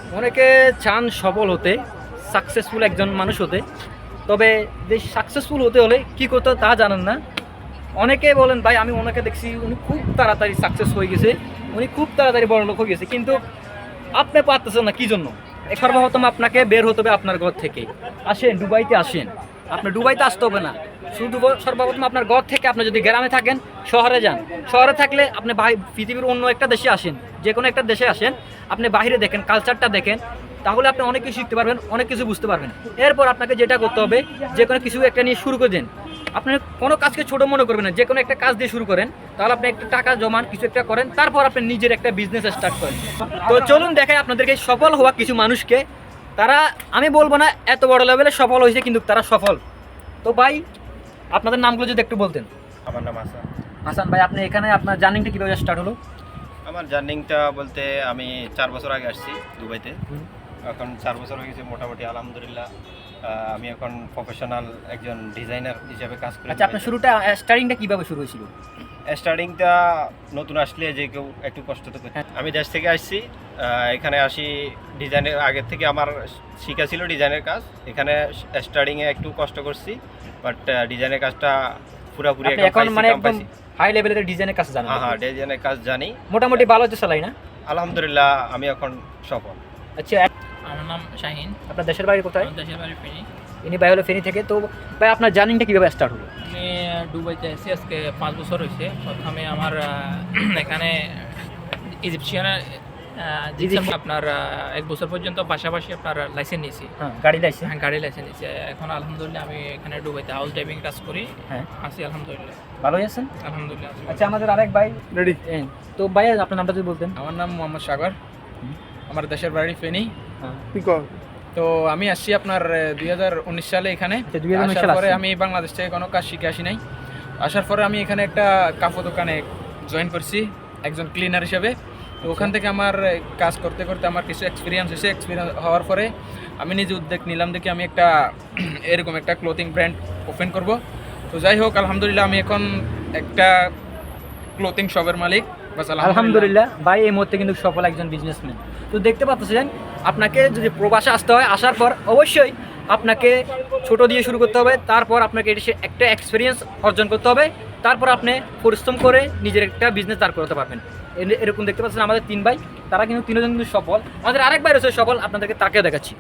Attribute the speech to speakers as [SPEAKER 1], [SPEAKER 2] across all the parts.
[SPEAKER 1] অনেকে চান সফল হতে, সাকসেসফুল একজন মানুষ হতে, তবে যে সাকসেসফুল হতে হলে কী করতে হয় তা জানেন না। অনেকে বলেন ভাই আমি ওনাকে দেখছি উনি খুব তাড়াতাড়ি সাকসেস হয়ে গেছে, উনি খুব তাড়াতাড়ি বড়লোক হয়ে গেছে, কিন্তু আপনি পারতেছেন না, কী জন্য? সর্বপ্রথম আপনাকে বের হতে হবে আপনার ঘর থেকে। আসেন দুবাইতে আসেন, আপনার দুবাইতে আসতে হবে না, শুধু সর্বপ্রথম আপনার ঘর থেকে আপনি যদি গ্রামে থাকেন শহরে যান, শহরে থাকলে আপনি পৃথিবীর অন্য একটা দেশে আসেন, যে কোনো একটা দেশে আসেন, আপনি বাইরে দেখেন, কালচারটা দেখেন, তাহলে আপনি অনেক কিছু শিখতে পারবেন, অনেক কিছু বুঝতে পারবেন। এরপর আপনাকে যেটা করতে হবে, যে কোনো কিছু একটা নিয়ে শুরু করে দেন। আপনি কোনো কাজকে ছোটো মনে করবেন না, যে কোনো একটা কাজ দিয়ে শুরু করেন, তাহলে আপনি একটা টাকা জমান, কিছু একটা করেন, তারপর আপনি নিজের একটা বিজনেস স্টার্ট করেন। তো চলুন দেখাই আপনাদেরকে সফল হওয়া কিছু মানুষকে। তারা, আমি বলবো না এত বড় লেভেলে সফল হয়েছে, কিন্তু তারা সফল। তো ভাই আপনাদের নামগুলো যদি একটু বলতেন।
[SPEAKER 2] আমার নাম হাসান।
[SPEAKER 1] হাসান ভাই, আপনি এখানে আপনার জার্নিংটা কীভাবে স্টার্ট হলো?
[SPEAKER 2] আমার জার্নিংটা বলতে আমি 4 বছর আগে আসছি দুবাইতে। এখন 4 বছর হয়ে গেছে মোটামুটি, আলহামদুলিল্লাহ। আমি এখন প্রফেশনাল একজন ডিজাইনার হিসেবে কাজ করি।
[SPEAKER 1] আচ্ছা, আপনার স্টার্টিংটা কীভাবে শুরু হয়েছিল?
[SPEAKER 2] স্টার্টিংটা নতুন আসলে যে কেউ একটু কষ্ট তো করে। আমি দেশ থেকে আসছি, এখানে আসি ডিজাইনের আগের থেকে আমার শিখা ছিল ডিজাইনের কাজ। এখানে স্টার্টিংয়ে একটু কষ্ট করছি, বাট ডিজাইনের কাজটা পুরোপুরি
[SPEAKER 1] এখন মানে একদম হাই লেভেলের ডিজাইনের কাজ জানেন?
[SPEAKER 2] হ্যাঁ, ডিজাইনের কাজ জানি,
[SPEAKER 1] মোটামুটি ভালো হচ্ছে চালাই না?
[SPEAKER 2] আলহামদুলিল্লাহ আমি এখন সফল।
[SPEAKER 1] আচ্ছা,
[SPEAKER 3] আমার নাম শাহিন।
[SPEAKER 1] আপনার দেশের বাড়ি কোথায়?
[SPEAKER 3] আমার দেশের বাড়ি ফেনী।
[SPEAKER 1] ইনি ভাই হলো ফেনী থেকে। তো ভাই আপনার জার্নিংটা কীভাবে স্টার্ট হলো?
[SPEAKER 3] আমি দুবাইতে এসেছি আজকে 5 বছর হয়েছে। প্রথমে আমার এখানে ইজিপশিয়ানের আপনার 1 বছর পর্যন্ত পাশাপাশি আপনার লাইসেন্স নিয়েছি।
[SPEAKER 1] হ্যাঁ, গাড়ি লাইসেন্স।
[SPEAKER 3] হ্যাঁ, গাড়ি লাইসেন্স নিয়েছি। এখন আলহামদুলিল্লাহ আমি এখানে দুবাইতে হাউস ড্রাইভিং কাজ করি।
[SPEAKER 1] হ্যাঁ,
[SPEAKER 3] আছি আলহামদুলিল্লাহ।
[SPEAKER 1] ভালোই আছেন?
[SPEAKER 3] আলহামদুলিল্লাহ।
[SPEAKER 1] আচ্ছা, আমাদের আরেক ভাই রেডি। তো ভাই আপনার নামটা যদি বলতেন।
[SPEAKER 4] আমার নাম মোহাম্মদ সাগর, আমার দেশের বাড়ি ফেনী। তো আমি আসছি আপনার 2019 সালে এখানে। আসার পরে আমি বাংলাদেশ থেকে কোনো কাজ শিখে আসি নাই। আসার পরে আমি এখানে একটা কাপড় দোকানে জয়েন করছি একজন ক্লিনার হিসেবে। তো ওখান থেকে আমার কাজ করতে করতে আমার কিছু এক্সপিরিয়েন্স হয়েছে। এক্সপিরিয়েন্স হওয়ার পরে আমি নিজে উদ্যোগ নিলাম দেখি আমি একটা এরকম একটা ক্লোথিং ব্র্যান্ড ওপেন করব। তো যাই হোক, আলহামদুলিল্লাহ আমি এখন একটা ক্লোথিং শপের মালিক।
[SPEAKER 1] আলহামদুলিল্লাহ ভাই এই মুহূর্তে কিন্তু সফল একজন বিজনেসম্যান। তো দেখতে পাচ্ছেন, আপনাকে যদি প্রবাসে আসতে হয়, আসার পর অবশ্যই আপনাকে ছোট দিয়ে শুরু করতে হবে, তারপর আপনাকে একটা এক্সপিরিয়েন্স অর্জন করতে হবে, তারপর আপনি পরিশ্রম করে নিজের একটা বিজনেস দাঁড় করতে পারবেন। এরকম দেখতে পাচ্ছেন আমাদের 3 ভাই, তারা কিন্তু 3জন কিন্তু সফল। আমাদের আরেক ভাই রয়েছে সফল, আপনাদেরকে তাকেও দেখাচ্ছি।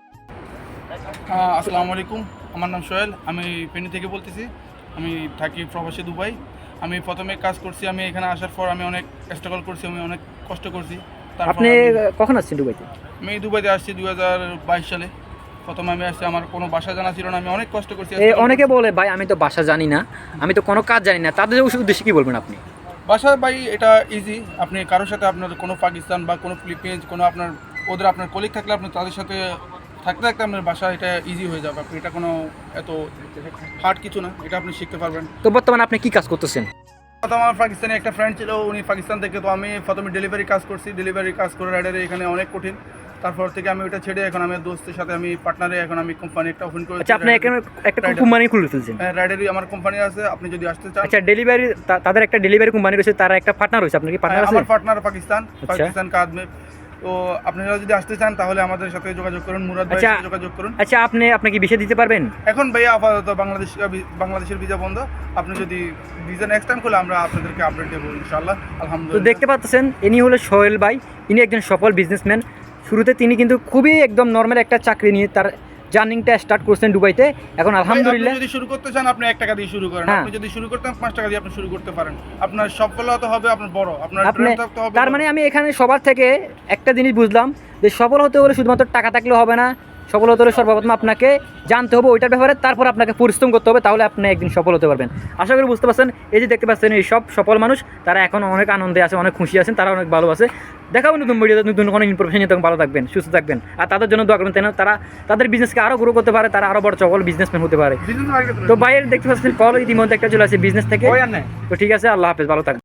[SPEAKER 5] আসসালামু আলাইকুম, আমার নাম সোহেল, আমি ফেনী থেকে বলতেছি। আমি থাকি প্রবাসী দুবাই। আমি প্রথমে কাজ করছি, আমি এখানে আসার পর আমি অনেক স্ট্রাগল করছি, আমি অনেক কষ্ট করছি।
[SPEAKER 1] আপনি কখন আসছেন দুবাইতে?
[SPEAKER 5] আমি দুবাইতে আসছি 2022 সালে। প্রথমে আমি আসছি, আমার কোনো বাসা জানা ছিল না, আমি অনেক কষ্ট করছি।
[SPEAKER 1] অনেকে বলে ভাই আমি তো বাসা জানি না, আমি তো কোনো কাজ জানি না, তাদের উদ্দেশ্যে কী বলবেন আপনি?
[SPEAKER 5] বাসা ভাই এটা ইজি। আপনি কারোর সাথে আপনার কোনো পাকিস্তান বা কোনো ফিলিপিন্স কোনো আপনার কলিগ থাকলে আপনি তাদের সাথে থাকতে থাকতে আপনার বাসা এটা ইজি হয়ে যাবে। আপনি এটা কোনো এত হার্ড কিছু না, এটা আপনি শিখতে পারবেন।
[SPEAKER 1] তো বর্তমানে আপনি কি কাজ করতেছেন?
[SPEAKER 5] আমার পাকিস্তানে একটা ফ্রেন্ড ছিল, উনি পাকিস্তান থেকে। তো আমি প্রথমে ডেলিভারি কাজ করছি, ডেলিভারি কাজ করে রাইডারে এখানে অনেক কঠিন। তারপর থেকে আমি ওটা ছেড়ে এখন আমি দোস্তের সাথে আমি পার্টনারে এখন আমি কোম্পানি একটা ওপেন করেছি।
[SPEAKER 1] আচ্ছা, আপনি এখানে একটা কোম্পানি খুলে ফেলছেন?
[SPEAKER 5] হ্যাঁ, রাইডারই আমার কোম্পানি আছে, আপনি যদি আসতে চান।
[SPEAKER 1] আচ্ছা, ডেলিভারি তাদের একটা ডেলিভারি কোম্পানি রয়েছে, তারা একটা পার্টনার রয়েছে, আপনার কি পার্টনার আছে?
[SPEAKER 5] আমার পার্টনার পাকিস্তান কাদমে। তো আপনারা যদি আসতে চান তাহলে আমাদের সাথে যোগাযোগ করুন, মুরাদ ভাইয়ের সাথে যোগাযোগ করুন।
[SPEAKER 1] আচ্ছা, আপনি কি ভিসা দিতে পারবেন?
[SPEAKER 5] এখন ভাইয়া আপাতত বাংলাদেশের ভিসা বন্ধ। আপনি যদি ভিসা নেক্সট টাইম করলে আমরা আপনাদেরকে আপডেট দেবো ইনশাআল্লাহ।
[SPEAKER 1] তো
[SPEAKER 5] আলহামদুলিল্লাহ।
[SPEAKER 1] দেখতে পাচ্ছেন ইনি হলো সোহেল ভাই, ইনি একজন সফল বিজনেসম্যান। শুরুতে তিনি কিন্তু খুবই একদম নর্মাল একটা চাকরি নিয়ে তার জার্নিংটা স্টার্ট করছেন দুবাইতে। এখন আলহামদুলিল্লাহ
[SPEAKER 5] যদি শুরু করতে চান আপনি 1 টাকা দিয়ে শুরু করেন। আপনি যদি শুরু করতে 5 টাকা দিয়ে আপনি শুরু করতে পারেন। আপনার সফলতা হবে, আপনার বড়, আপনার ব্র্যান্ড থাকতে হবে।
[SPEAKER 1] তার মানে আমি এখানে সবার থেকে একটা জিনিস বুঝলাম, যে সফল হতে হলে শুধুমাত্র টাকা থাকলে হবে না, সফল হতে হলে সর্বপ্রথম আপনাকে জানতে হবে ওইটার ব্যাপারে, তারপর আপনাকে পরিশ্রম করতে হবে, তাহলে আপনি একদিন সফল হতে পারবেন। আশা করি বুঝতে পারছেন। এই যে দেখতে পাচ্ছেন এই সব সফল মানুষ, তারা এখন অনেক আনন্দে আছে, অনেক খুশি আছেন, তারা অনেক ভালো আছে। দেখাবো নতুন ভিডিওতে নতুন কোনো ইনফরমেশন নিয়ে, তখন ভালো থাকবেন, সুস্থ থাকবেন, আর তাদের জন্য দোয়া করবেন, তারা তাদের বিজনেসকে আরও গ্রো করতে পারে, তারা আরও বড় সফল বিজনেসম্যান হতে পারে। তো বাইরে দেখতে পাচ্ছেন কল ইতিমধ্যে একটা চলে আসে বিজনেস থেকে। তো ঠিক আছে, আল্লাহ হাফেজ, ভালো থাকবেন।